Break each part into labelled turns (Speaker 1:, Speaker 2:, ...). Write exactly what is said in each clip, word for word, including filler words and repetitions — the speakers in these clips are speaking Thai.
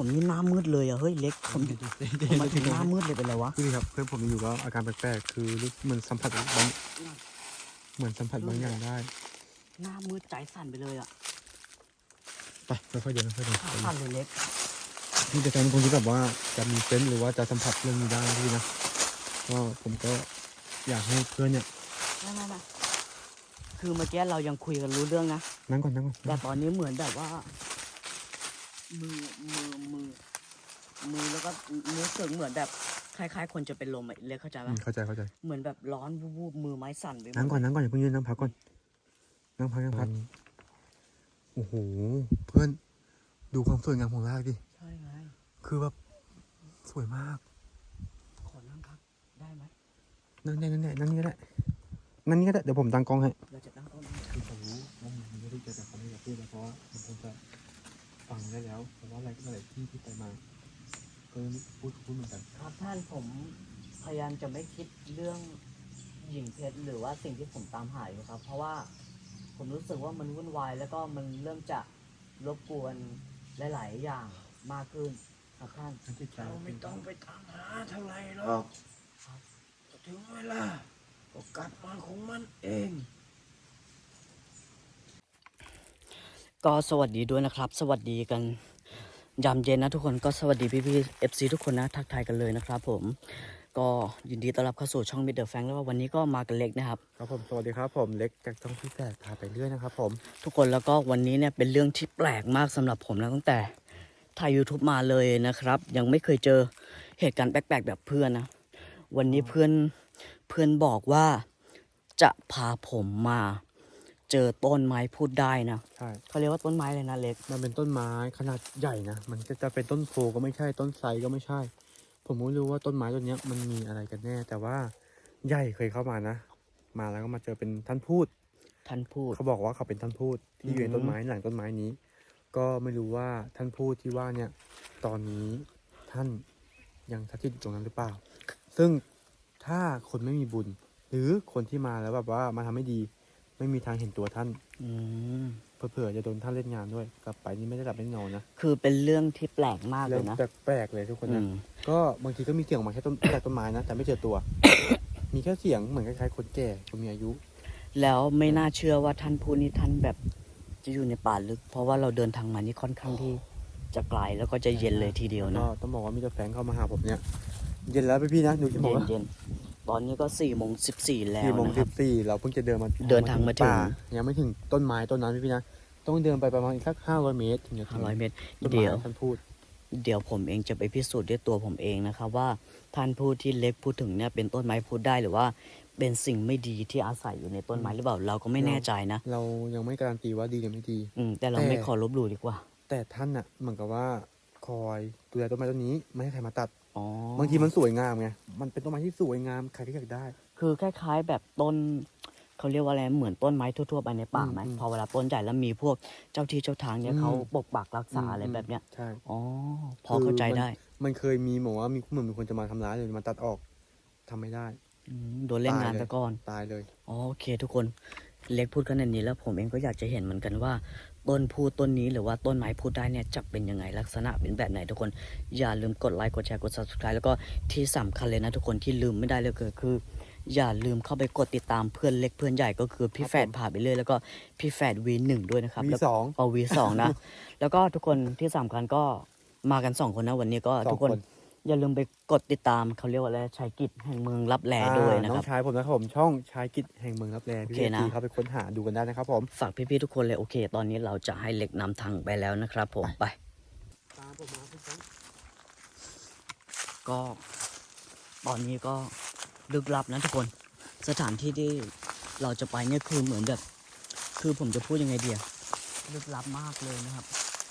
Speaker 1: ผมนี่หน้ามืดเลยอะเฮ้ยเล็กผมผมมาถึงหน้ามืดเลยเป็นไรวะ
Speaker 2: คือครับเพื่อนผมอยู่ก็อาการแปลกๆคือรู้เหมือนสัมผัสบางเหมือนสัมผัสบางอย่างได้
Speaker 1: หน้ามืดใจสั่นไปเลยอะ
Speaker 2: ไปค่อยๆเดินค่อยๆเดิน
Speaker 1: สั่นเลยเล็ก
Speaker 2: นี่จะเป็นคนที่แบบว่าจะมีเซนส์หรือว่าจะสัมผัสเรื่องนี้ได้พี่นะก็ผมก็อยากให้เพื่อนเนี่ย
Speaker 1: ไม่ไม่ไม่คือเมื่อกี้เรายังคุยกันรู้เรื่องนะ
Speaker 2: นั่งก่อนนั่งก่อน
Speaker 1: แต่ตอนนี้เหมือนแบบว่า มือมือมือมือแล้วก็รู้สึกเหมือนแบบคล้ายๆ คนจะเป็นลมอะเล็กเข้าใจไหม
Speaker 2: อืมเข้าใจเข้าใจ
Speaker 1: เหมือนแบบร้อนวูบๆมือไม้สั่นไปหมด
Speaker 2: นั่งก่อนนั่งก่อนอย่าเพิ่งยืนนั่งพักก่อนนั่งพักนั่งพักโอ้โหเพื่อนดูความสวยงามของรากดิ
Speaker 1: ใช่ไง
Speaker 2: คือแบบสวยมาก
Speaker 1: ขอนั่งครับได้ไหม
Speaker 2: นั่งได้นั่งได้นั่งนี่ก็ได้นั่งนี่ก็ได้เดี๋ยวผมตั้งกล้องให้
Speaker 1: เราจะตั้งต้น
Speaker 2: คือผมรู้ว่ามันไม่ได้เจอแต่เขาไม่อยากพูดแล้วเพราะว่ามันคงจะฟังได้แล้วเพราะว่าอะไรอะไรที่ที่ไปมาก็พูดพูดเหมือนกัน
Speaker 1: ครับท่านผมพยายามจะไม่คิดเรื่องหญิงเพชรหรือว่าสิ่งที่ผมตามหาอยู่ครับ เพราะว่าผมรู้สึกว่ามันวุ่นวายแล้วก็มันเริ่มจะรบกวนหลาย ๆ อย่างมากขึ้นครับท่าน
Speaker 2: ทั้งจิตใจ
Speaker 3: เราไม่ต้องไปตามหาเท่าไหร่หรอกถึงเวลาก็กลับมาของมันเอง
Speaker 1: ก็สวัสดีด้วยนะครับ สวัสดีกันยามเย็นนะทุกคนก็สวัสดีพี่พี่เอฟซีทุกคนนะทักทายกันเลยนะครับผมก็ยินดีต้อนรับเข้าสู่ช่องมิดเดิลแฟงแล้วว่าวันนี้ก็มากันเล็กนะครับ
Speaker 2: ครับผมสวัสดีครับผมเล็กจากช่องพี่แฝดพาไปเรื่อยนะครับผม
Speaker 1: ทุกคนแล้วก็วันนี้เนี่ยเป็นเรื่องที่แปลกมากสำหรับผมนะตั้งแต่ถ่าย YouTube มาเลยนะครับ ยังไม่เคยเจอเหตุการณ์แปลกๆแบบเพื่อนนะวันนี้เพื่อนเพื่อนบอกว่าจะพาผมมาเจอต้นไม้พูดได้นะ
Speaker 2: ใช่
Speaker 1: เขาเรียกว่าต้นไม้เลยนะเล็ก
Speaker 2: มันเป็นต้นไม้ขนาดใหญ่นะมันก็จะเป็นต้นโพก็ไม่ใช่ต้นไทรก็ไม่ใช่ ผมไม่รู้ว่าต้นไม้ต้นเนี้ยมันมีอะไรกันแน่ แต่ว่าใหญ่เคยเข้ามานะ มาแล้วก็มาเจอเป็นท่านพูด
Speaker 1: ท่านพูด
Speaker 2: เขาบอกว่าเขาเป็นท่านพูดที่อยู่ในต้นไม้หลังต้นไม้นี้ ก็ไม่รู้ว่าท่านพูดที่ว่าเนี่ยตอนนี้ท่านยังสถิตอยู่ตรงนั้นหรือเปล่า ซึ่งถ้าคนไม่มีบุญ หรือคนที่มาแล้วแบบว่ามาทำไม่ดี ไม่มีทางเห็นตัวท่าน
Speaker 1: อืม
Speaker 2: เผื่อๆจะโดนท่านเล่นงานด้วย กลับไปนี่ไม่ได้หลับไม่ได้นอนนะ
Speaker 1: คือเป็นเรื่องที่แปลกมากเล
Speaker 2: เรื่อง
Speaker 1: ยนะ
Speaker 2: แปลกๆเลยทุกคน
Speaker 1: อื
Speaker 2: นะ
Speaker 1: ม
Speaker 2: ก็บางทีก็มีเสียงออกมาแค่ต้น จากต้นไม้นะแต่ไม่เจอตัว มีแค่เสียงเหมือนคล้ายๆคนแก่คนมีอายุ
Speaker 1: แล้วไม่น่าเชื่อว่าท่านพูดนี่ท่านแบบจะอยู่ในป่าลึก เพราะว่าเราเดินทางมานี่ค่อนข้างที่จะไกลแล้วก็จะเย็นเลยทีเดียวนะ
Speaker 2: ก็ต้องบอกว่ามีแต่แฟนเข้ามาหาผมเนี่ย เย็นแล้วพี่พี่ๆนะดูที่บอก
Speaker 1: เย็น
Speaker 2: ว่า
Speaker 1: เย็นตอนนี้ก็สี่โมงสิบสี่แล้ว
Speaker 2: สี่โมง
Speaker 1: นะค
Speaker 2: สิ
Speaker 1: รับบ
Speaker 2: สี่เราเพิ่งจะเดินมา
Speaker 1: เดินทางมาถึง
Speaker 2: ป่ยังไม่ถึงต้นไม้ต้นนั้นพี่พี่ๆนะต้องเดินไปประมาณอีกสักห้าร้อยเมตรถึงจะถึ
Speaker 1: ห้าง ร้อยเมตร
Speaker 2: ต้นไม้
Speaker 1: เดี๋ยว
Speaker 2: ท่านพูด
Speaker 1: เดี๋ยวผมเองจะไปพิสูจน์ด้วยตัวผมเองนะครับว่าท่านพูดที่เล็กพูดถึงเนี่ยเป็นต้นไม้พูดได้หรือว่าเป็นสิ่งไม่ดีที่อาศัยอยู่ในต้นไม้หรือเปล่าเราก็ไม่แน่ใจนะ
Speaker 2: เรายังไม่การันตีว่าดีหรือไม่ดี
Speaker 1: อืมแต่เรา
Speaker 2: แต่
Speaker 1: ไม่ขอลบหลู่ดีกว่า
Speaker 2: แต่ท่านน่ะเหมือนกับว่าคอยดูแลต้นไม้ต้นนี้ไม่ให้ใครมาตัด
Speaker 1: อ๋อ
Speaker 2: บางทีมันสวยงามไงมันเป็นต้นไม้ที่สวยงามใครก็อยากได้
Speaker 1: คือคล้ายๆแบบต้นเขาเรียกว่าอะไรเหมือนต้นไม้ทั่วๆไปในป่าไหม
Speaker 2: อืม
Speaker 1: พอเวลาต้นใหญ่แล้วมีพวกเจ้าที่เจ้าทางเนี่ย
Speaker 2: อืม
Speaker 1: เขาปกปักรักษา
Speaker 2: อืม
Speaker 1: อะไรแบบเนี้ย
Speaker 2: ใช่
Speaker 1: อ๋อพอเข้าใจได้
Speaker 2: มันเคยมีบอกว่ามีเหมือนมีคนจะมาทำร้ายเลยมาตัดออกทำไม่ได้
Speaker 1: อืมโดนเล่นงาน
Speaker 2: ตายเลย
Speaker 1: ตะก่อน
Speaker 2: ตายเลย
Speaker 1: อ๋อโอเค ทุกคนเล็กพูดขนาดนี้แล้วผมเองก็อยากจะเห็นเหมือนกันว่า ต้นพูดต้นนี้หรือว่าต้นไม้พูดได้เนี่ยจะเป็นยังไงลักษณะเป็นแบบไหนทุกคนอย่าลืมกดไลค์กดแชร์กด ซับสไครบ์ แล้วก็ที่สำคัญเลยนะทุกคนที่ลืมไม่ได้เลยก็คือ อย่าลืมเข้าไปกดติดตามเพื่อนเล็กเพื่อนใหญ่ก็คือพี่แฝดพาไปเรื่อยแล้วก็พี่แฝดวีหนึ่งด้วยนะครับ
Speaker 2: มี
Speaker 1: แล้ว
Speaker 2: สอง
Speaker 1: เอาวีสองนะ แล้วก็ทุกคนที่สำคัญก็มากันสองคนนะวันนี้ก็
Speaker 2: สอง
Speaker 1: ทุกคน
Speaker 2: คน
Speaker 1: อย่าลืมไปกดติดตามเขาเรียกว่าอะไรชายกิจแห่งเมืองรับแลด้วยนะ
Speaker 2: น้
Speaker 1: ค
Speaker 2: อ
Speaker 1: รับ
Speaker 2: งชายผมนะครับผมช่องชายกิจแห่งเมืองรับแลพี่
Speaker 1: โอเค
Speaker 2: เอ
Speaker 1: นะ
Speaker 2: ทีเข้าไปค้นหาดูกันได้นะครับผม
Speaker 1: ฝากพี่ๆทุกคนเลยโอเค ตอนนี้เราจะให้เล็กนำทางไปแล้วนะครับผมไป
Speaker 2: ตามผมมาพี่แฟง
Speaker 1: ก็ตอนนี้ก็ลึกลับนะทุกคนสถานที่ที่เราจะไปเนี่ยคือเหมือนแบบคือผมจะพูดยังไงเดียลึกลับมากเลยนะครับ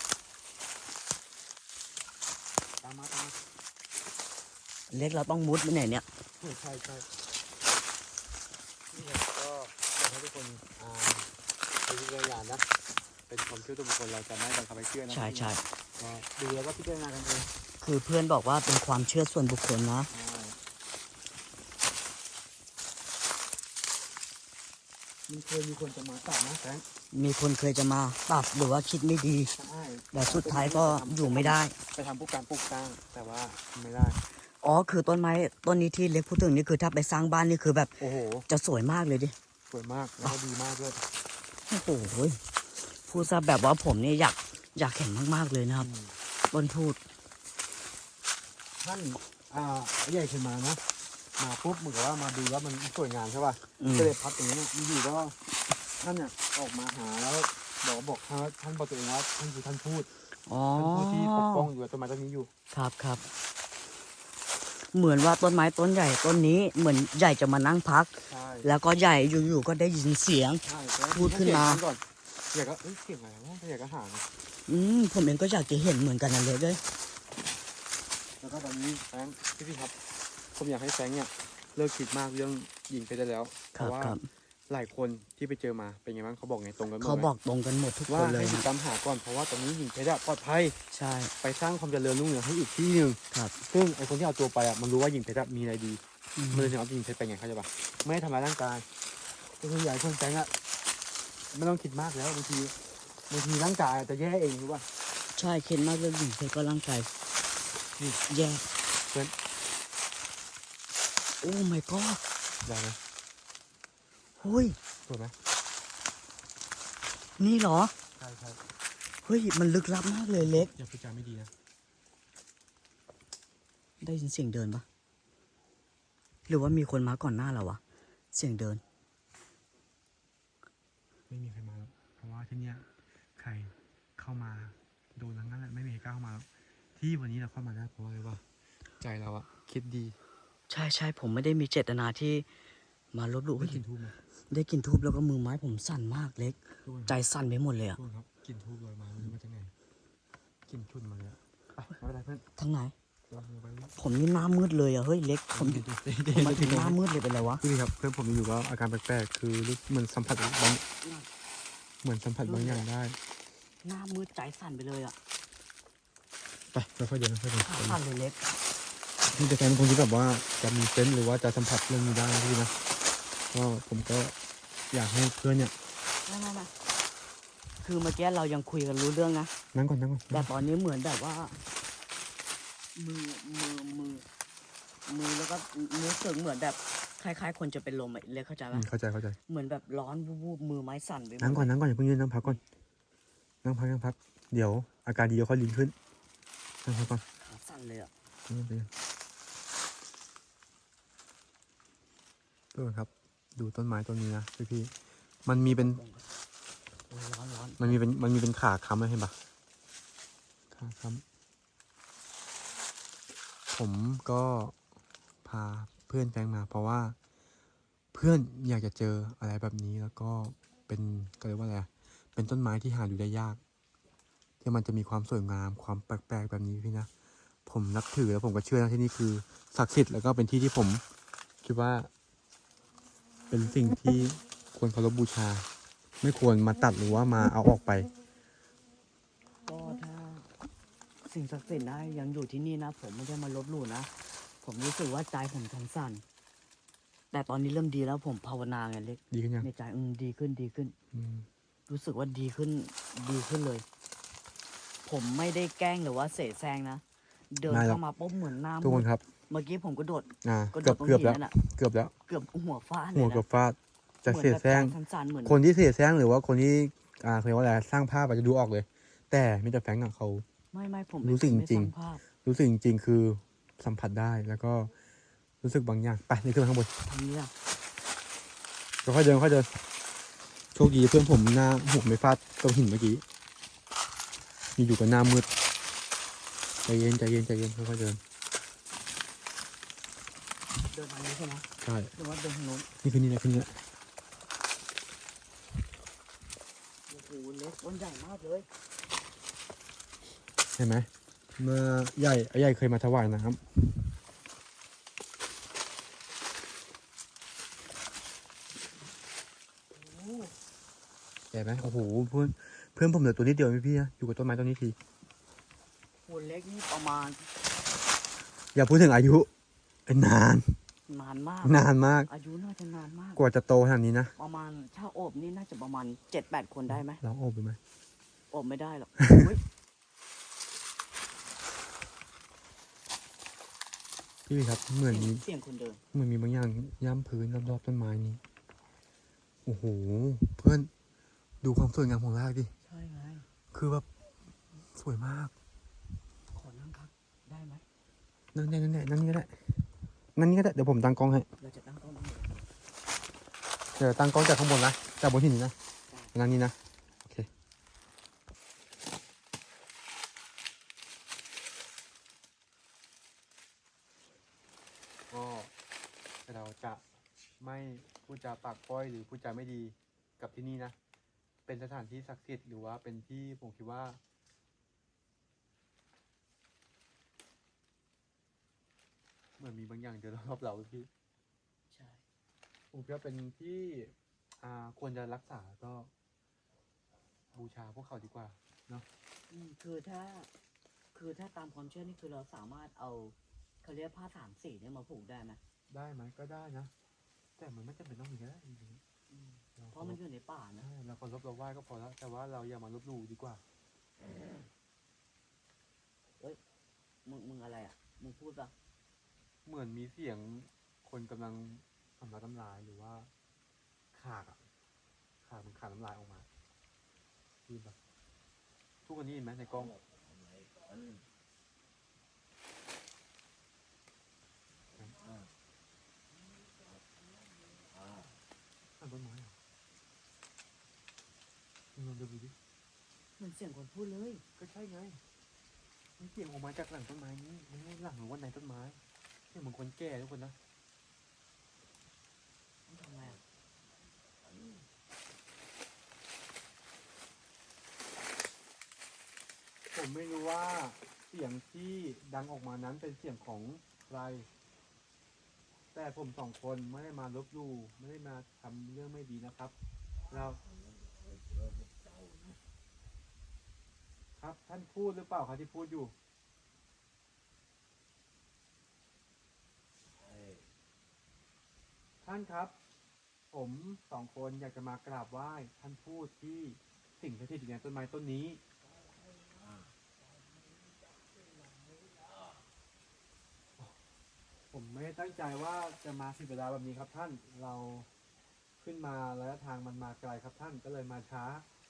Speaker 2: ตามมาตามมา
Speaker 1: เล็กเราต้องมุดไปไหนเนี่ย
Speaker 2: ใช่ใช่ใช่นี่ครับก็อยากให้ทุกคนอ่าเป็นวิจารณญาณนะเป็นความเชื่อส่วนบุคคลเราจะไม่บังคับให้เชื่อนะ
Speaker 1: ใช่ใช่
Speaker 2: ก็ดูแล้วก็พิจารณากันเอง
Speaker 1: คือเพื่อนบอกว่าเป็นความเชื่อส่วนบุคคลนะ
Speaker 2: ใช่มันคเคยมีคนจะมาตัดนะแฟรงค์
Speaker 1: มีคนเคยจะมาตัดหรือว่าคิดไม่ดี
Speaker 2: ใช่
Speaker 1: แต่สุดท้ายก็อยู่ไม่ได้
Speaker 2: ไปทำพวกการปลูกสร้างแต่ว่าไม่ได้
Speaker 1: อ๋อคือต้นไม้ต้นนี้ที่เล็กพูดถึงนี่คือถ้าไปสร้างบ้านนี่คือแบบ
Speaker 2: โอ้โห
Speaker 1: จะสวยมากเลยดิ
Speaker 2: สวยมากแล้วก็ดีมากด้วย
Speaker 1: โอ้โหพูดซะแบบว่าผมเนี่ยอยากอยากเห็นมากๆเลยนะครับ
Speaker 2: อืม
Speaker 1: ต้นพูด
Speaker 2: ท่านอ่าใหญ่ขึ้นมานะมาปุ๊บเหมือนกับว่ามาดูว่ามันสวยงามใช่ป่ะ
Speaker 1: อืม
Speaker 2: ก็เลยพักตรงนี้นะอยู่ๆก็ท่านเนี่ยออกมาหาแล้วบอกบอกท่านว่าท่านบอกตัวเองว่าท่านคือท่านพูด
Speaker 1: อ๋อ
Speaker 2: ท่านพูดที่ปกป้องอยู่กับต้นไม้ต้นนี้อยู่
Speaker 1: ครับครับ เหมือนว่าต้นไม้ต้นใหญ่ต้นนี้เหมือนใหญ่จะมานั่งพัก
Speaker 2: ใช่
Speaker 1: แล้วก็ใหญ่อยู่ๆก็ได้ยินเสียง
Speaker 2: ใช่แล้ว
Speaker 1: พูดขึ้นมา
Speaker 2: เสียงก่อนใหญ่ก็เอ้ยเสียงอะไรวะใหญ่ก็หา
Speaker 1: อืมผมเองก็อยากจะเห็นเหมือนกันนะเลยเลย
Speaker 2: แล้วก็ตอนนี้แฟรงค์พี่พี่ครับผมอยากให้แฟรงค์เนี่ยเลิกคิดมากเรื่องยิงเพชรได้แล้วเพ
Speaker 1: ครับ
Speaker 2: ราะว่า
Speaker 1: ครับ
Speaker 2: หลายคนที่ไปเจอมาเป็นไงบ้างเขาบอกไงตรงกันหมดไหม
Speaker 1: เขาบอกตรงกันหมดทุกค
Speaker 2: ว่าน
Speaker 1: เล
Speaker 2: ให้
Speaker 1: ย
Speaker 2: หยุด
Speaker 1: นะ
Speaker 2: ตามหาก่อนเพราะว่าตอนนี้ยิงเพชรอะปลอดภัย
Speaker 1: ใช่
Speaker 2: ไปสร้างความเจริญรุ่งเรืองให้อีกที่หนึ่ง
Speaker 1: ครับ
Speaker 2: ซึ่งไอคนที่เอาตัวไปอ่ะมันรู้ว่ายิงเพชรอะมีอะไรดี
Speaker 1: อืม
Speaker 2: มันเลยถึงเอายิงเพชรไปไงเข้าใจปะไม่ให้ทำร้ายร่างกายก็คืออยากให้คนแฟงอ่ะไม่ต้องคิดมากแล้วบางทีบางทีร่างกายอาจจะแย่เองรู้ป่ะ
Speaker 1: ใช่เข็นมากเรื่องหญิงเพชรก็ร่างกาย
Speaker 2: นี่
Speaker 1: แย่
Speaker 2: เพื่อน
Speaker 1: โอ้ my god
Speaker 2: ได้ไหม
Speaker 1: เฮ้ย
Speaker 2: สวยไหม
Speaker 1: นี่เหรอ
Speaker 2: ใช่ใช่
Speaker 1: เฮ้ยมันลึกลับมากเลยเล็ก
Speaker 2: อย่าพูดจาไม่ดีนะ
Speaker 1: ได้ยินเสียงเดินปะหรือว่ามีคนมาก่อนหน้าเราวะเสียงเดิน
Speaker 2: ไม่มีใครมาแล้วเพราะว่าที่เนี้ยใครเข้ามาโดนทั้งนั้นแหละไม่มีใครกล้าเข้ามาแล้วที่วันนี้เราเข้ามาได้เพราะอะไรวะใจเราอะคิดดี
Speaker 1: ใช่ใช่ผมไม่ได้มีเจตนาที่มาลบหลู่
Speaker 2: ได้กลินทูบไหม
Speaker 1: ได้กลินทูบแล้วก็มือไม้ผมสั่นมากเล็ก
Speaker 2: ทุกคน
Speaker 1: ใจสั่นไปหมดเลยอะ
Speaker 2: ทุกคนครับกลินทูบลอยมาไม่รู้มาจากไหนกลินชุนมาเลยอะไปไม่เป็นไรเพื่อน
Speaker 1: ทั้งไหน
Speaker 2: เราไปเรื่อย
Speaker 1: ผมนี่หน้ามืดเลยอะเฮ้ยเล็กผม
Speaker 2: เดี๋ยวเดี๋ยวเดี๋ยว
Speaker 1: ผมมาถึง
Speaker 2: เดี๋
Speaker 1: ห
Speaker 2: ยว
Speaker 1: น้ามืดเลยเป็นไรวะ
Speaker 2: พี่ครับเพื่อนผมอยู่ก็อาการแปลกๆคือรู้เหมือนสัมผัสบางเหมือนสัมผัสบางอย่างได้
Speaker 1: หน้ามืดใจสั่นไปเลยอะ
Speaker 2: ไปเราค่อยเดินค่อยเดิน
Speaker 1: ขาสั่นเลยเล็ก
Speaker 2: นี่จะแฟนเป็นคนที่แบบว่าจะมีเซนส์หรือว่าจะสัมผัสเรื่องนี้ได้นะพี่นะก็ผมก็อยากให้เพื่อนเนี่ย
Speaker 1: ไม่ไม่ไม่คือเมื่อกี้เรายังคุยกันรู้เรื่องนะ
Speaker 2: นั่งก่อนนั่งก่อน
Speaker 1: แต่ตอนนี้เหมือนแบบว่า มือมือมือมือแล้วก็รู้สึกเหมือนแบบคล้ายๆ คนจะเป็นลมอะเล็กเข้าใจ
Speaker 2: อื
Speaker 1: ปะ
Speaker 2: มเข้าใจเข้าใจ
Speaker 1: เหมือนแบบร้อนวูบๆมือไม้สั่นไปหมด
Speaker 2: นั่งก่อนนั่งก่อนอย่าเพิ่งยืนนั่งพักก่อนนั่งพักนั่งพักเดี๋ยวอาการดีเดี๋ยวค่อยดีขึ้นนั่งพักก่อน
Speaker 1: ขาสั่นเลยอะ
Speaker 2: นั่งไปเพื่อนครับ ดูต้นไม้ต้นนี้นะพี่พี่ๆมันมีเป็น
Speaker 1: โอ้ยร้อนร้อน
Speaker 2: มันมีเป็นมันมีเป็นขาค้ำนะเห็นปะขาค้ำผมก็พาเพื่อนแฟงมา เพราะว่าเพื่อนอยากจะเจออะไรแบบนี้แล้วก็เป็นก็เรียกว่าอะไรอะเป็นต้นไม้ที่หาดูได้ยากที่มันจะมีความสวยงามความแปลกๆแบบนี้พี่นะผมนับถือแล้วผมก็เชื่อนะที่นี่คือศักดิ์สิทธิ์แล้วก็เป็นที่ที่ผมคิดว่า เป็นสิ่งที่ควรเคารพบูชา ไม่ควรมาตัดหรือว่ามาเอาออกไป
Speaker 1: ก็ถ้าสิ่งศักดิ์สิทธิ์นะยังอยู่ที่นี่นะ ผมไม่ได้มาลบหลู่นะ ผมรู้สึกว่าใจผมทั้งสั่น แต่ตอนนี้เริ่มดีแล้วผมภาวนาไงเล็ก
Speaker 2: ดีขึ้นยัง
Speaker 1: ในใจอืมดีขึ้นดีขึ้น
Speaker 2: อืม
Speaker 1: รู้สึกว่าดีขึ้นดีขึ้นเลย ผมไม่ได้แกล้งหรือว่าเสแสร้งนะ เดินเข้ามาปุ๊บเหมือนหน้า
Speaker 2: ทุกค
Speaker 1: มื
Speaker 2: น
Speaker 1: ด
Speaker 2: ครับ
Speaker 1: เมื่อกี้ผมก็โดด
Speaker 2: อ่า
Speaker 1: ก็โด
Speaker 2: เกือ
Speaker 1: ด
Speaker 2: บ
Speaker 1: ตรง
Speaker 2: เกือบ
Speaker 1: หิน
Speaker 2: แล้ว
Speaker 1: นั่นน่ะ
Speaker 2: เกือบแล้ว
Speaker 1: เกือบหัวฟาดเลย
Speaker 2: หัว
Speaker 1: นะ
Speaker 2: เกือบฟาดจะ
Speaker 1: หมือน
Speaker 2: เสีย
Speaker 1: แบบ
Speaker 2: แซง
Speaker 1: ใจสั่นๆเหมือน
Speaker 2: คนที่เสียแซงหรือว่าคนที่อ่าเขาเรียกว่าอะไรสร้างภาพอาจจะดูออกเลย แต่มิสเตอร์แฟรงก์อะเขา
Speaker 1: ไม่ไม่ผม
Speaker 2: รู้สึก
Speaker 1: ไม่
Speaker 2: จริง
Speaker 1: สาภาพ
Speaker 2: รู้สึกจริงๆคือสัมผัสได้แล้วก็รู้สึกบางอย่างไปนี่ขึ้นมาข้างบน
Speaker 1: ทำนี้อะ
Speaker 2: ค่อยๆเดินค่อยๆเดินโชคดีเพื่อนผมหน้าหัวไม่ฟาดตรงหินเมื่อกี้มีอยู่กับหน้ามืดใจเย็นใจเย็นใจเย็นค่อยๆเดิน
Speaker 1: เดินทางนี้ใช่ไหม
Speaker 2: ใช่
Speaker 1: หรือว่าเดินทางโน้น
Speaker 2: นี่คือนี่แหละคือนี่แหละ
Speaker 1: โอ้โหเล็กต้นใหญ่มากเลย
Speaker 2: เห็นไหมเมื่อใหญ่ไอ้ใหญ่เคยมาถวายน้ำเห็นไหมโอ้โหเพื่อนเพื่อนผมเหลือตัวนิดเดียวพี่พี่นะอยู่กับต้นไม้ต้นนี้ที
Speaker 1: หัวเล็กนี่ประมาณ
Speaker 2: อย่าพูดถึงอายุเป็นนาน
Speaker 1: นานมาก
Speaker 2: นานมาก
Speaker 1: อายุน่าจะนานมาก
Speaker 2: กว่าจะโตขนาดนี้นะ
Speaker 1: ประมาณถ้าโอบนี่น่าจะประมาณเจ็ดแปดคนได้ไหม
Speaker 2: ลองโอบดูไหม
Speaker 1: โอบไม่ได้หรอก อุ๊ย
Speaker 2: พี่วีครับเหมือนมี
Speaker 1: เสียงคนเดิน
Speaker 2: เหมือนมีบางอย่างย่ำพื้นรอบๆต้นไม้นี้โอ้โหเพื่อนดูความสวยงามของรากดิ
Speaker 1: ใช่ไง
Speaker 2: คือแบบสวยมาก
Speaker 1: ขอนั่งครับ ได้ไหม
Speaker 2: นั่งได้นั่งได้นั่งนี่ก็ได้นั่งนี่ก็ได้เดี๋ยวผมตั้งกล้องให้
Speaker 1: เราจะตั้งกล้องตรงไหน
Speaker 2: เดี๋ยวตั้งกล้องจากข้างบนนะจากบนหินนะนั่งนี่นะโอเคก็เราจะไม่พูดจาปากป้อยหรือพูดจาไม่ดีกับที่นี่นะ เป็นสถานที่ศักดิ์สิทธิ์หรือว่าเป็นที่ผมคิดว่า เหมือนมีบางอย่างเดินรอบเราพี่
Speaker 1: ใช่
Speaker 2: ผมคิดว่าเป็นที่อ่าควรจะรักษาก็บูชาพวกเขาดีกว่าเนาะ
Speaker 1: อืมคือถ้า คือถ้าตามความเชื่อนี่คือเราสามารถเอาเขาเรียกผ้าสามสีเนี่ยมาผูกได้ไหม
Speaker 2: ได้ไหมก็ได้นะ แต่มันไม่จำเป็นต้องมีก็ได้จริง
Speaker 1: อืม
Speaker 2: ๆเรา
Speaker 1: เพราะมันอยู่ในป่านะ
Speaker 2: ใช่เราเคารพเราไหว้ก็พอแล้ว แต่ว่าเราอย่ามาลบหลู่ดีกว่า
Speaker 1: มึงมึงอะไรอ่ะ มึงพูดปะ
Speaker 2: เหมือนมีเสียงคนกำลังทำร้ายน้ำลายหรือว่าขากอะขากมันขาดน้ำลายออกมาคือแบบทุกคนนี้เห็นไหมในกล้อง ข้างต้นไม้เหรอมึงลองดูดิ
Speaker 1: เหมือนเสียงคนพูดเลย
Speaker 2: ก็ใช่ไงมันเสียงออกมาจากหลังต้นไม้นี้มันไม่หลังหรือว่าในต้นไม้เสียงเหมือนคนแก่ทุกคนนะ
Speaker 1: ต้องทำไงอ่ะ
Speaker 2: ผมไม่รู้ว่าเสียงที่ดังออกมานั้นเป็นเสียงของใคร แต่ผมสองคนไม่ได้มาลบหลู่ไม่ได้มาทำเรื่องไม่ดีนะครับ เราครับท่านพูดหรือเปล่าครับที่พูดอยู่ ท่านครับ ผมสองคนอยากจะมากราบไหว้ท่านพูดที่สิ่งที่อยู่ในต้นไม้ต้นนี้ ผมไม่ได้ตั้งใจว่าจะมาผิดเวลาแบบนี้ครับท่าน เราขึ้นมาระยะทางมันมาไกลครับท่านก็เลยมาช้า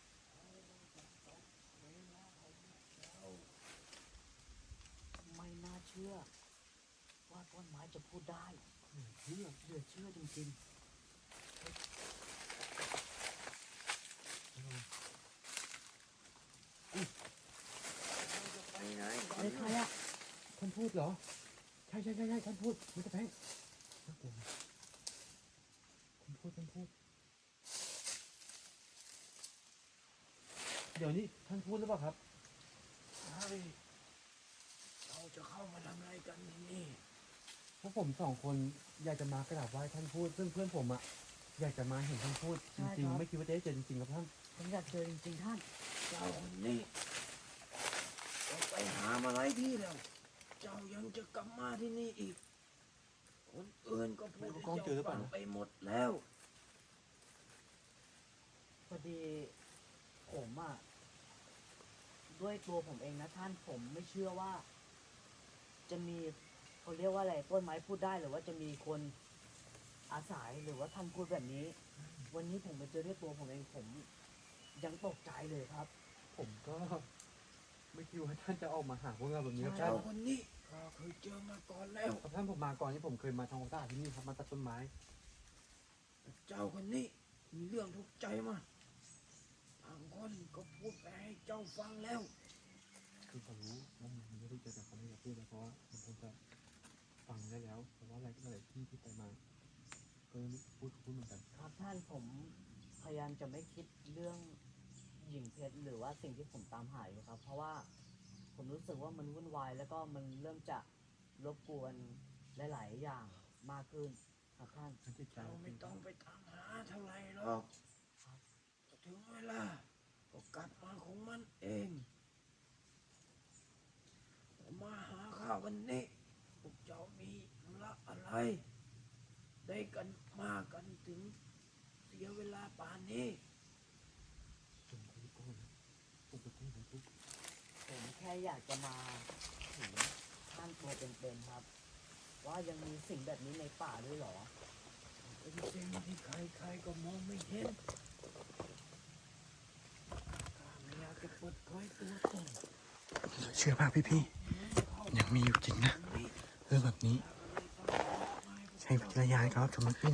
Speaker 1: ไม่น่าเชื่อ ว่าต้นไม้จะพูดได้
Speaker 2: เชื่อ
Speaker 1: เหลือเชื่อจริง
Speaker 3: ไปไหน
Speaker 1: ๆอะไรใครอ่ะ
Speaker 2: ท่านพูดเหรอ ใช่ใช่ใช่ใช่ท่านพูดมิสเตอร์แพงน่ากลัวนะท่านพูดท่านพูด เดี๋ยวนี้ท่านพูดหรือเปล่าครับ
Speaker 3: เฮ้ยเราจะเข้ามาทำอะไรกันที่นี่
Speaker 2: พวกผมสองคนอยากจะมากราบไหว้ท่านพูด ซึ่งเพื่อนผมอะอยากจะมาเห็นท่านพูดจริงๆไม่คิดว่าจะได้เจอจริงๆครับท่าน
Speaker 1: ผมอยากเจอจริงๆท่าน
Speaker 3: เจ้าคนนี้เราไปหามาหลายที่แล้ว เจ้ายังจะกลับมาที่นี่อีก คนอื่นก็พูดให้เจ้าฟังไปหมดแล้ว
Speaker 1: พอดีผมอ่ะ ด้วยตัวผมเองนะท่านผมไม่เชื่อว่า จะมีเขาเรียกว่าอะไรต้นไม้พูดได้หรือว่าจะมีคนอาศัยหรือว่าท่านพูดแบบนี้ วันนี้ผมมาเจอด้วยตัวผมเองผมยังตกใจเลยครับ
Speaker 2: ผมก็ไม่คิดว่าท่านจะออกมาหาพวกเราแบบนี้ครับ
Speaker 3: เจ้า
Speaker 2: ท่าน
Speaker 3: คนนี้ข้าเคยเจอมาก่อนแล้ว
Speaker 2: ครับท่านผมมาก่อนที่ผมเคยมาทำความสะอาดที่นี่ครับมาตัดต้นไม้
Speaker 3: เจ้าคนนี้มีเรื่องทุกข์ใจมาบางคนก็พูดไปให้เจ้าฟังแล้ว
Speaker 2: คือผมรู้ว่ามันไม่ได้เจอแต่เขาไม่อยากพูดนะเพราะว่ามันคงจะฟังได้แล้วเพราะว่าอะไรหลายที่ที่ไปมาก็ไม่พูดพูดเหมือนกัน
Speaker 1: ครับท่านผมพยายามจะไม่คิดเรื่องหญิงเพชรหรือว่าสิ่งที่ผมตามหาอยู่ครับ เพราะว่าผมรู้สึกว่ามันวุ่นวายแล้วก็มันเริ่มจะรบกวนหลาย ๆ อย่างมากขึ้นครับท่าน
Speaker 2: ท่านจิตใจ
Speaker 3: เราไม่ต้องไปตามหาเท่าไหร่หรอกถึงเวลาก็กลับมาของมันเองมาหาข้าวันนี้พวกเจ้ามีธุระอะไรได้กันมากันถึงเสียเวลาป่านนี้
Speaker 1: ผมแค่อยากจะมาถึงท่านตัวเป็นๆครับ ว่ายังมีสิ่งแบบนี้ในป่าด้วยเหรอ
Speaker 3: เป็นสิ่งที่ใครๆก็มองไม่เห็นข้าไม่อยากจะเปิดเผยตัวตน
Speaker 2: เชื่อมากพี่ๆยังมีอยู่จริงนะเรื่องแบบนี้ใช้วิจารณญาณครับชมพี่นะ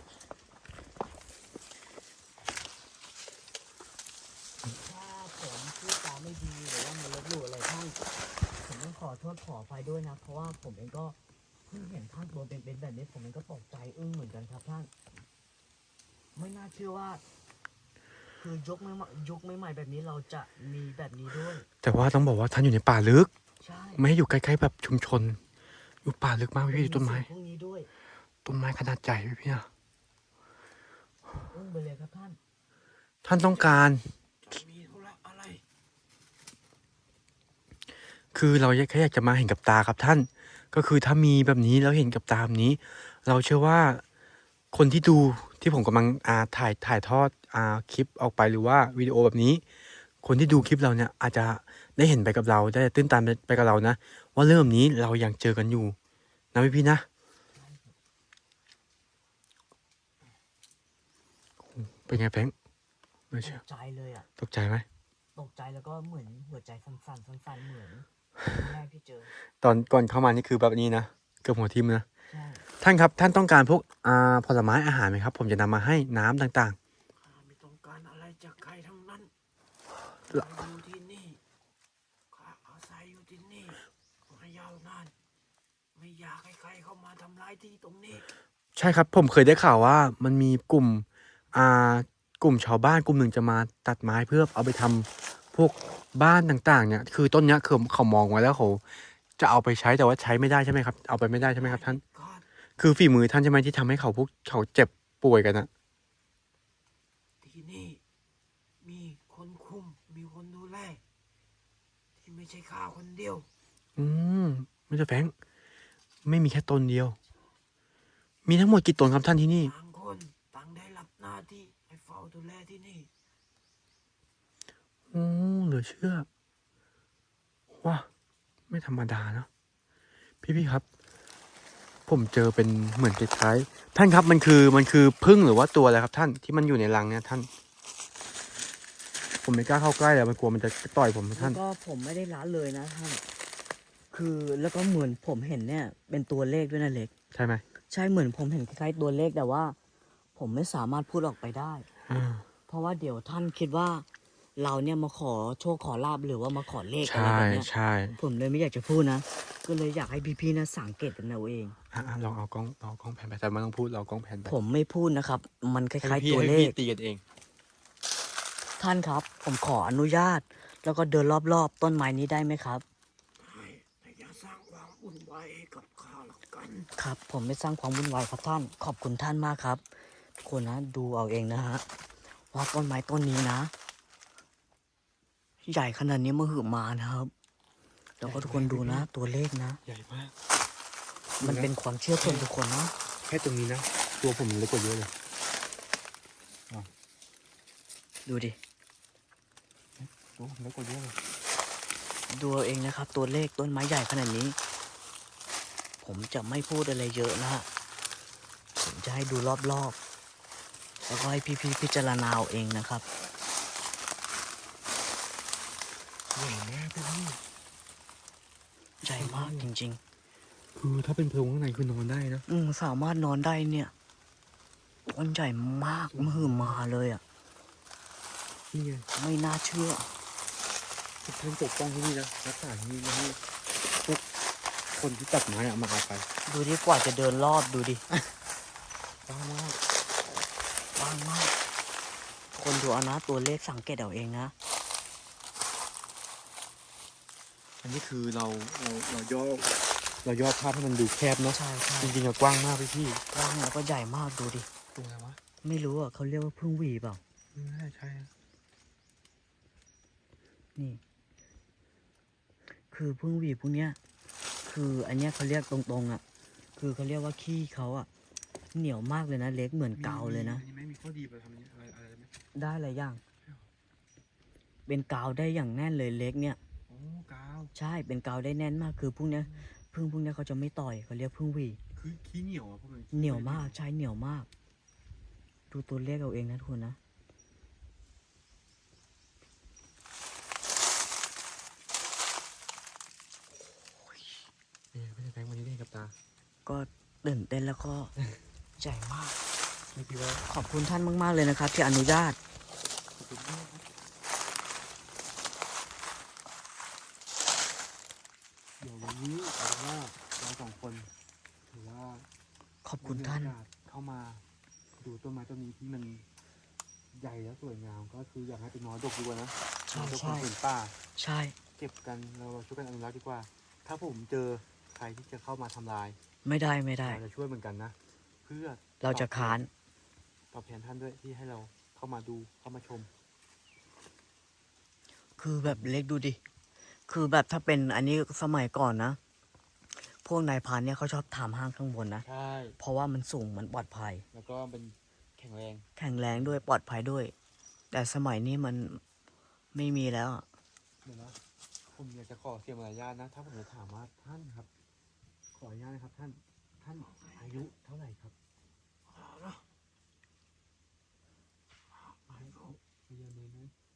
Speaker 1: ถ้าผมพูดจาไม่ดีหรือว่ามันลบหลู่อะไรท่านผมต้องขอโทษขออภัยด้วยนะ เพราะว่าผมเองก็เพิ่งเห็นท่านตัวเป็นๆแบบนี้ ผมเองก็ตกใจอึ้งเหมือนกันครับท่าน ไม่น่าเชื่อว่า คือยกไม่ยกไม่ใหม่แบบนี้เราจะมีแบบนี้ด้วย
Speaker 2: แต่ว่าต้องบอกว่าท่านอยู่ในป่าลึก
Speaker 1: ใช่
Speaker 2: ไม่ให้อยู่ใกล้ๆแบบชุมชน อยู่ป่าลึกมากพี่ๆต้นไม้
Speaker 1: พวกนี้ด้วย
Speaker 2: ต้นไม้ขนาดใหญ่พี่ๆนะ
Speaker 1: อึ้งไปเลยครับท่าน
Speaker 2: ท่านต้องการ
Speaker 3: จะมีธุระอะไร
Speaker 2: คือเราแค่อยากจะมาเห็นกับตาครับท่าน ก็คือถ้ามีแบบนี้แล้วเห็นกับตาแบบนี้ เราเชื่อว่าคนที่ดูที่ผมกำลังอ่าถ่ายถ่ายทอดอ่าคลิปออกไปหรือว่าวิดีโอแบบนี้ คนที่ดูคลิปเราเนี่ยอาจจะได้เห็นไปกับเราได้ตื้นตันไปกับเรานะ ว่าเรื่องแบบนี้เรายังเจอกันอยู่นะพี่พี่ๆนะเป็นไงแพงไม่
Speaker 1: ต
Speaker 2: เชื่อก
Speaker 1: ใจเลยอ่ะ
Speaker 2: ตกใจไหม
Speaker 1: ตกใจแล้วก็เหมือนหัวใจสั่นๆสั่นๆเหมือนแรกที่เจอ
Speaker 2: ตอนก่อนเข้ามานี่คือแบบนี้นะเกือบหัวทิ่มนะ
Speaker 1: ใช่
Speaker 2: ท่านครับท่านต้องการพวกอ่าผลไม้อาหารไหมครับ ผมจะนำมาให้น้ำต่าง
Speaker 3: ข้าไม่ต้องการอะไรจากใครทั้งนั้น
Speaker 2: เหรอ
Speaker 3: ข้าอยู่ที่นี่ข้าอาศัยอยู่ที่นี่มายาวนาน ไม่อยากให้ใครเข้ามาทำร้ายที่ตรงนี้
Speaker 2: ๆ ใช่ครับผมเคยได้ข่าวว่ามันมีกลุ่มอ่ากลุ่มชาวบ้านกลุ่มหนึ่งจะมาตัดไม้เพื่อเอาไปทำพวกบ้านต่างๆเนี่ยคือต้นเนี้ยคือเขามองไว้แล้วเขาจะเอาไปใช้แต่ว่าใช้ไม่ได้ใช่ไหมครับเอาไปไม่ได้ใช่ไหมครับท่าน
Speaker 3: ขาด
Speaker 2: คือฝีมือท่านใช่ไหมที่ทำให้เขาพวกเขาเจ็บป่วยกันนะ
Speaker 3: ที่นี่ มีคนคุม มีคนดูแล ที่ไม่ใช่ข้าคนเดียว
Speaker 2: อืมไม่ใช่แฟงไม่มีแค่ตนเดียว มีทั้งหมดกี่ตนครับท่านที่นี่
Speaker 3: ต่างคนต่างได้รับหน้าที่ให้เฝ้าดูแลที่นี่
Speaker 2: โอ้เหลือเชื่อว้าไม่ธรรมดาเนอะพี่ๆครับ ผมเจอเป็นเหมือนคล้ายๆท่านครับมันคือมันคือพึ่งหรือว่าตัวอะไรครับท่านที่มันอยู่ในรังเนี่ยท่าน ผมไม่กล้าเข้าใกล้เลยมันกลัวมันจะต่อยผม
Speaker 1: แล้
Speaker 2: ท่าน
Speaker 1: วก็ผมไม่ได้ละเลยนะท่าน คือแล้วก็เหมือนผมเห็นเนี่ย เป็นตัวเลขด้วยนะเล็ก
Speaker 2: ใช่ไหม
Speaker 1: ใช่เหมือนผมเห็นคล้ายๆตัวเลขแต่ว่า ผมไม่สามารถพูดออกไปได้
Speaker 2: อ่า
Speaker 1: เพราะว่าเดี๋ยวท่านคิดว่า เราเนี่ยมาขอโชคขอลาบหรือว่ามาขอเลขอะไร
Speaker 2: ใช่
Speaker 1: แบบเนี้ย
Speaker 2: ใช่
Speaker 1: ผมเลยไม่อยากจะพูดนะ ก็เลยอยากให้พี่ๆนะสังเกตกันเอาเอง
Speaker 2: อ่ะอ่ะลองเอากล้องเอากล้องแผ่นไปแต่ไม่ต้องพูดเรากล้องแผ่นไป
Speaker 1: ผมไม่พูดนะครับ มันค
Speaker 2: ให้
Speaker 1: ล้าย
Speaker 2: พี่
Speaker 1: ๆตัว
Speaker 2: ให้
Speaker 1: เล
Speaker 2: พี่
Speaker 1: ข
Speaker 2: ตีกันเอง
Speaker 1: ท่านครับ ผมขออนุญาต แล้วก็เดินรอบๆต้นไม้นี้ได้ไหมครับ
Speaker 3: ให้แต่อย่าสร้างความวุ่นวายให้กับข้าละกัน
Speaker 1: ครับ ผมไม่สร้างความวุ่นวายครับท่าน ขอบคุณท่านมากครับทุกคนนะดูเอาเองนะฮะว่าต้นไม้ต้นนี้นะ ใหญ่ขนาดนี้มาหือมานะครับ แล้วก็ทุกคนดูนะ ตัวเลขนะ
Speaker 2: ใหญ่มาก
Speaker 1: มันเป็นความเชื่อส่วนบุคคลนะ
Speaker 2: แค่ตรงนี้นะ ตัวผมเล็กกว่าเยอะเลย
Speaker 1: ดูดิ
Speaker 2: ตัวผมเล็กกว่าเยอะเลย
Speaker 1: ดูเอาเองนะครับ ตัวเลขต้นไม้ใหญ่ขนาดนี้ ผมจะไม่พูดอะไรเยอะนะฮะผมจะให้ดูรอบๆแล้วก็ให้พี่ๆพิจารณาเอาเองนะครับ
Speaker 2: ใหญ่มากพี่
Speaker 1: ใหญ่มากจริง
Speaker 2: คือถ้าเป็นโพรงข้างในคือนอนได้นะ
Speaker 1: ๆ อืมสามารถนอนได้เนี่ยต้นใหญ่มากมหึมาเลยอ่ะ
Speaker 2: นี่ไง
Speaker 1: ไม่น่าเชื่อ
Speaker 2: ทุกท่านปกป้องที่นี่นะรักษาที่นี่นะให้พวกคนที่ตัดไม้อะมาเอาไป
Speaker 1: ดูดิกว่าจะเดินรอบดูดิ
Speaker 2: บ้ามาก
Speaker 1: ว่างมาก คนดูเอานะตัวเลขสังเกตเอาเองนะ
Speaker 2: อันนี้คือเราเราเราย่อเราย่อภาพให้มันดูแคบเนาะ
Speaker 1: ใช่ใช่
Speaker 2: จริงๆอะกว้างมากพี่พี่
Speaker 1: กว้างแล้วก็ใหญ่มากดูดิ
Speaker 2: ตัวอะไรวะ
Speaker 1: ไม่รู้อ่ะเขาเรียกว่าพึ่งหวีเปล่า
Speaker 2: ไม่น่าใช่อะ
Speaker 1: นี่ คือพึ่งหวีพวกเนี้ย คืออันเนี้ยเขาเรียกตรงๆอ่ะ คือเขาเรียกว่าขี้เขาอ่ะเหนียวมากเลยนะเล็กเหมือนกาวเลยนะ
Speaker 2: อันนี้ไม่มีข้อดีไปทำนี้อะไรอะไรไหม
Speaker 1: ได้หลายอย่าง เป็นกาวได้อย่างแน่นเลยเล็กเนี่ย
Speaker 2: โอ้กาว
Speaker 1: ใช่เป็นกาวได้แน่นมากคือพวกเนี้ยพึ่งพวกเนี้ยเขาจะไม่ต่อยเขาเรียกพึ่งหวี
Speaker 2: คือขี้เหนียวอ่ะพวกมัน
Speaker 1: เหนียวมากใช่เหนียวมาก ดูตัวเลขเอาเองนะทุกคนนะ
Speaker 2: เนี่ยไม่ใช่แบงค์วันนี้ได้กับตา
Speaker 1: ก็ตื่นเต้นแล้วก็ ใจมาก
Speaker 2: ไม่คิดว่า
Speaker 1: ขอบคุณท่านมากๆเลยนะครับ ที่อนุญาต
Speaker 2: ขอบคุณมากครับเดี๋ยววันนี้เอาเป็นว่าเราสองคนถือว่า
Speaker 1: ขอบคุณท่าน
Speaker 2: ได้มีโอกสเข้ามาดูต้นไม้ต้นนี้ที่มันใหญ่และสวยงามก็คืออยากให้เป็นน้อยดกดีกว่านะ
Speaker 1: ใช่
Speaker 2: น้อยดก
Speaker 1: ใช่
Speaker 2: เป็นผืนป่า
Speaker 1: ใช่
Speaker 2: เก็บกันเราช่วยกันอนุรักษ์ดีกว่า ถ้าผมเจอใครที่จะเข้ามาทำลาย
Speaker 1: ไม่ได้ไม่ได้
Speaker 2: เราจะช่วยเหมือนกันนะ เพื่อ
Speaker 1: เราจะค้าน
Speaker 2: ตอบแทนท่านด้วยที่ให้เราเข้ามาดูเข้ามาชม
Speaker 1: คือแบบเล็กดูดิ คือแบบถ้าเป็นอันนี้สมัยก่อนนะ พวกนายพรานเนี่ยเขาชอบทำห้างข้างบนนะ
Speaker 2: ใช่
Speaker 1: เพราะว่ามันสูงมันปลอดภัย
Speaker 2: แล้วก็เป็นแข็งแรง
Speaker 1: แข็งแรงด้วยปลอดภัยด้วย แต่สมัยนี้มันไม่มีแล้วอะ
Speaker 2: เดี๋ยวนะผมอยากจะขอเสียมารยาทนะ ถ้าผมจะถามว่าท่านครับ ขออนุญาตนะครับท่าน ท่านอายุเท่าไหร่ครับอายุเยอะเลยนะ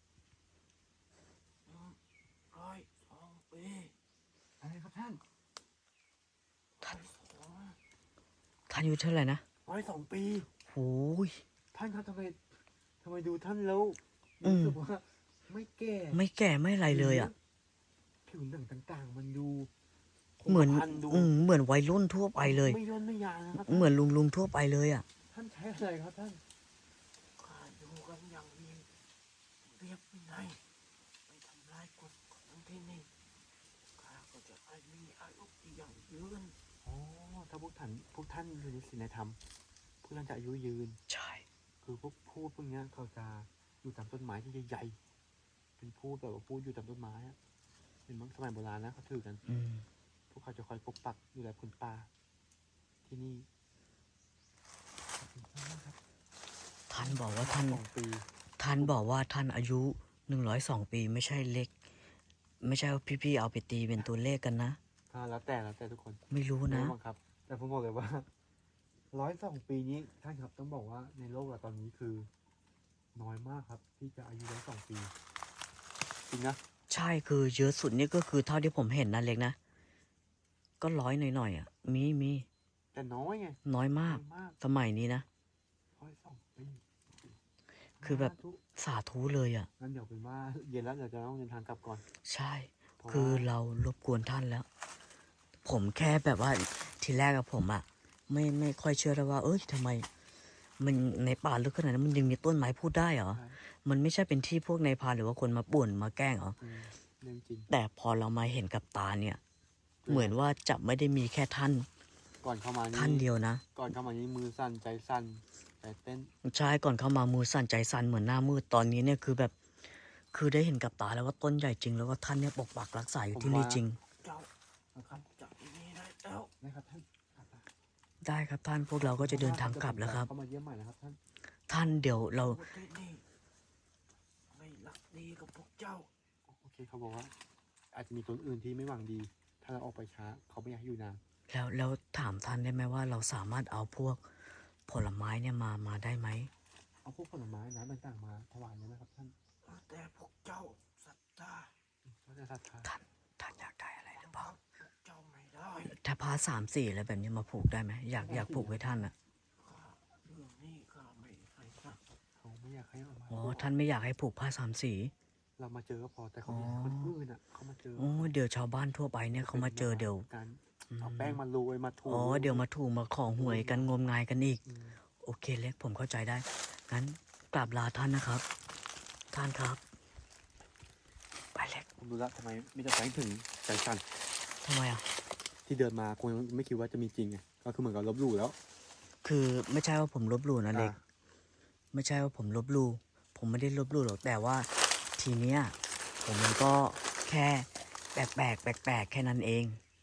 Speaker 3: ร้อยสองปี
Speaker 2: อะไรครับท่าน
Speaker 1: ท่านท่านอายุเท่าไหร่นะ
Speaker 2: ร้อยสองปี
Speaker 1: โอ้ย
Speaker 2: ท่านครับทำไมทำไมดูท่านแล้ว
Speaker 1: อืม
Speaker 2: รู้สึกว่าไม่แก่
Speaker 1: ไม่แก่ไม่อะไรเลยอ่ะ
Speaker 2: ผิวหนังต่างๆ มันดูคง
Speaker 1: เหมือน
Speaker 2: กระพันดู
Speaker 1: อืมเหมือนวัยรุ่นทั่วไปเลย
Speaker 2: ไม่ย่นไม่ยานนะครับ
Speaker 1: เหมือนลุงลุงๆทั่วไปเลยอ่ะ
Speaker 2: ท่านใช้อะไรครับท่าน
Speaker 3: ข้าอยู่กันอย่างมีเรียบวินัยไม่ทำลายกฎของที่นี่ข้าก็จะให้มีอายุที่ยั่งยืน
Speaker 2: อ๋อ ถ้าพวกท่านพวกท่านอยู่ในศีลธรรมพวกท่านจะอายุยืน
Speaker 1: ใช่
Speaker 2: คือพวกพูดพวกเนี้ยเขาจะอยู่ตามต้นไม้ที่ใหญ่ๆ เป็นพูดแบบว่าพูดอยู่ตามต้นไม้อะเป็นมังสมัยโบราณนะเขาถือกัน
Speaker 1: อืม
Speaker 2: พวกเขาจะคอยปกปักดูแลคนป่าที่นี่ขอบคุณมากครับ
Speaker 1: ท่านบอกว่าท่าน
Speaker 2: สองปี
Speaker 1: ท่านบอกว่าท่านอายุหนึ่งร้อยสองปีไม่ใช่เล็ก ไม่ใช่ว่าพี่ๆเอาไปตีเป็นตัวเลขกันนะ
Speaker 2: อ่าแล้วแต่แล้วแต่ทุกคน
Speaker 1: ไม่รู้นะ
Speaker 2: ไม่บังคับ แต่ผมบอกเลยว่าร้อยสองปีนี้ท่านครับต้องบอกว่าในโลกเราตอนนี้คือ น้อยมากครับ ที่จะอายุร้อยสองปีจริงนะ
Speaker 1: ใช่คือเยอะสุดนี่ก็คือเท่าที่ผมเห็นนะเล็กนะ ก็ร้อยหน่อยๆอ่ะ มีมี
Speaker 2: แต่น้อยไง
Speaker 1: น้อยมาก
Speaker 2: น้อยมาก
Speaker 1: สมัยนี้นะ
Speaker 2: ร้อยสองปี
Speaker 1: คือแบบ
Speaker 2: สาธุ
Speaker 1: สาธุเลยอ่ะ
Speaker 2: งั้นเดี๋ยวเป็นว่าเย็นแล้วเดี๋ยวจะต้องเดินทางกลับก่อน
Speaker 1: ใช่
Speaker 2: เพราะ
Speaker 1: คือ
Speaker 2: ว่า
Speaker 1: เรารบกวนท่านแล้ว ผมแค่แบบว่าทีแรกกับผมอะไม่ไม่ค่อยเชื่อเลยว่า เอ้ยทำไม มันในป่าลึกขนาดนั้นมันยังมีต้นไม้พูดได้เหรอ
Speaker 2: ใช่
Speaker 1: มันไม่ใช่เป็นที่พวกนายพรานหรือว่าคนมาป่วนมาแกล้งเหรอ
Speaker 2: อืมเรื่องจริง
Speaker 1: แต่พอเรามาเห็นกับตาเนี่ย เหมือนว่าจะไม่ได้มีแค่ท่าน
Speaker 2: ก่อนเข้ามานี่
Speaker 1: ท่านเดียวนะ
Speaker 2: ก่อนเข้ามานี่มือสั่นใจสั่นใจเต้น
Speaker 1: ใช่ก่อนเข้ามามือสั่นใจสั่นเหมือนหน้ามืดตอนนี้เนี่ยคือแบบ คือได้เห็นกับตาแล้วว่าต้นใหญ่จริงแล้วว่าท่านเนี่ยปกปักรักษาอยู่ที่นี่จริง
Speaker 3: เจ้านะครับจากที่นี่ได้แล้ว
Speaker 2: นะครับท่านครับ
Speaker 1: ได้ครับท่านพวกเราก็จะเดินทางกลับแล้วครับ
Speaker 2: เข้ามาเยี่ยมใหม่นะครับท่าน
Speaker 1: ท่านเดี๋ยวเรา
Speaker 3: พวกที่นี่ไม่รักดีกับพวกเจ้า
Speaker 2: โอเคเขาบอกว่า อาจจะมีคนอื่นที่ไม่หวังดี ถ้าเราออกไปช้าเขาไม่อยากให้อยู่นาน
Speaker 1: แล้วแล้วถามท่านได้ไหมว่าเราสามารถเอาพวกผลไม้เนี่ยมามาได้ไหม
Speaker 2: เอาพวกผลไม้น้ำต่างๆมาถวายเลยนะครับท่าน
Speaker 3: แต่พวกเจ้าศรัทธา
Speaker 2: ก็จะศรัทธา
Speaker 1: ท่านท่านอยากได้อะไรหรือเปล่า
Speaker 3: พวกเจ้าไม่ได้
Speaker 1: ถ้าพาสามสี่อะไรแบบนี้มาผูกได้ไหมอยากอยากผูกไว้ท่านอ่ะ
Speaker 3: ข้าเรื่องนี้ข้าไม่ให้นะ
Speaker 2: เขาไม่อยากให้เอามา
Speaker 1: อ๋อท่านไม่อยากให้ผูกผ้าสามสี
Speaker 2: เรามาเจอก็พอแต่เขาไม่อยากให้คนอื่นอ่ะเขามาเจอ
Speaker 1: โอ้เดี๋ยวชาวบ้านทั่วไปเนี่ยเขามาเจอเดี๋ยว
Speaker 2: การ
Speaker 1: อืม
Speaker 2: เอาแป้งมาโรยมาถู
Speaker 1: อ๋อเดี๋ยวมาถูกมาของหวยกันงมงายกันอีก
Speaker 2: อืม
Speaker 1: โอเคเล็กผมเข้าใจได้งั้นกราบลาท่านนะครับ ท่านครับ ไปเล็ก
Speaker 2: ผมรู้แล้วทำไมไมแต่ได้แป้งถึงใจสั่น
Speaker 1: ทำไมอ่ะ
Speaker 2: ที่เดินมาคงไม่คิดว่าจะมีจริงไงก็คือเหมือนกับลบหลู่แล้ว
Speaker 1: คือไม่ใช่ว่าผมลบหลู่นะเล็ก
Speaker 2: อ่า
Speaker 1: ไม่ใช่ว่าผมลบหลู่ผมไม่ได้ลบหลู่หรอกแต่ว่าทีเนี้ยผมมันก็แค่แปลกแปลกแปลกแปลกๆแค่นั้นเอง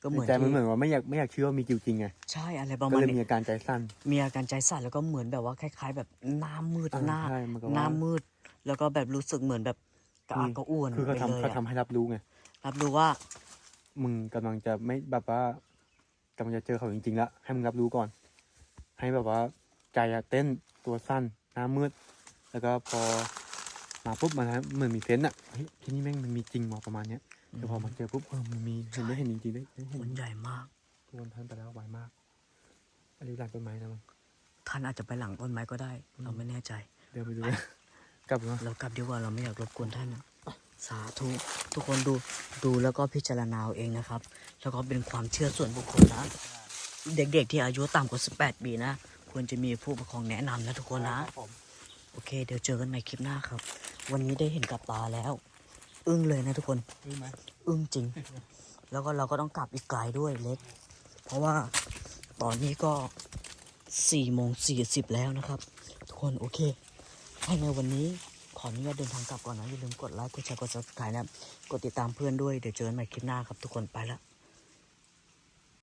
Speaker 1: ก็เหมือน
Speaker 2: ในใจมัน
Speaker 1: ที่
Speaker 2: เหมือนว่าไม่อยากไม่อยากเชื่อว่ามีจริงๆไง
Speaker 1: ใช่อะไรประ
Speaker 2: ก็
Speaker 1: มาณ
Speaker 2: เลยมี
Speaker 1: นี้
Speaker 2: อาการใจสั่น
Speaker 1: มีอาการใจสั่นแล้วก็เหมือนแบบว่าคล้าย ๆ แบบหน้ามืด
Speaker 2: อ่า
Speaker 1: หน้า
Speaker 2: ใช่มันก็
Speaker 1: หน้า
Speaker 2: ว่า
Speaker 1: มืด แล้วก็แบบรู้สึกเหมือนแบบกระอักกระอ่วน
Speaker 2: คือเขา
Speaker 1: ไป
Speaker 2: ทำ
Speaker 1: เลย
Speaker 2: เขา
Speaker 1: อะ
Speaker 2: ทำให้รับรู้ไง
Speaker 1: รับรู้ว่า
Speaker 2: มึงกำลังจะไม่แบบว่ากำลังจะเจอเขาจริงๆแล้วให้มึงรับรู้ก่อน ให้แบบว่าใจอะเต้นตัวสั้นหน้ามืด แล้วก็พอมาปุ๊บมันเหมือนมีเซนส์อะเฮ้ยที่นี่แม่งมันมีจริงว่ะประมาณเนี้ยแต่พอมาเจอปุ๊บเออมันมีเห็นได้เห็นจริงๆได้ได้
Speaker 1: ค
Speaker 2: เห็น
Speaker 1: นใหญ่มาก
Speaker 2: ทุกคนท่านไปแล้วไวมากอันนี้หลังต้นไม้นะมึง
Speaker 1: ท่านอาจจะไปหลังต้นไม้ก็ได้ เราไม่แน่ใจ
Speaker 2: เดี๋ยวไปดูนะกลับมา
Speaker 1: เรากลับดีกว่าเราไม่อยากรบกวนท่านนะสาธุทุกคนดูดูแล้วก็พิจารณาเอาเองนะครับ แล้วก็เป็นความเชื่อส่วนบุคคลนะ เด็กๆที่อายุต่ำกว่าสิบแปดปีนะควรจะมีผู้ปกครองแนะนำนะทุกคนนะ โอเค เดี๋ยวเจอกันใหม่คลิปหน้าครับ วันนี้ได้เห็นกับตาแล้ว อึ้งเลยนะทุกคน
Speaker 2: รู้ไหม
Speaker 1: อึ้งจริง แล้วก็เราก็ต้องกลับอีกไกลด้วยเล็ก เพราะว่าตอนนี้ก็สี่โมงสี่สิบแล้วนะครับ ทุกคนโอเคให้ในวันนี้ขออนุญาตเดินทางกลับก่อนนะ อย่าลืมกดไลค์ กดแชร์ กด ซับสไครบ์ นะครับ กดติดตามเพื่อนด้วย เดี๋ยวเจอกันใหม่คลิปหน้าครับทุกคนไปละ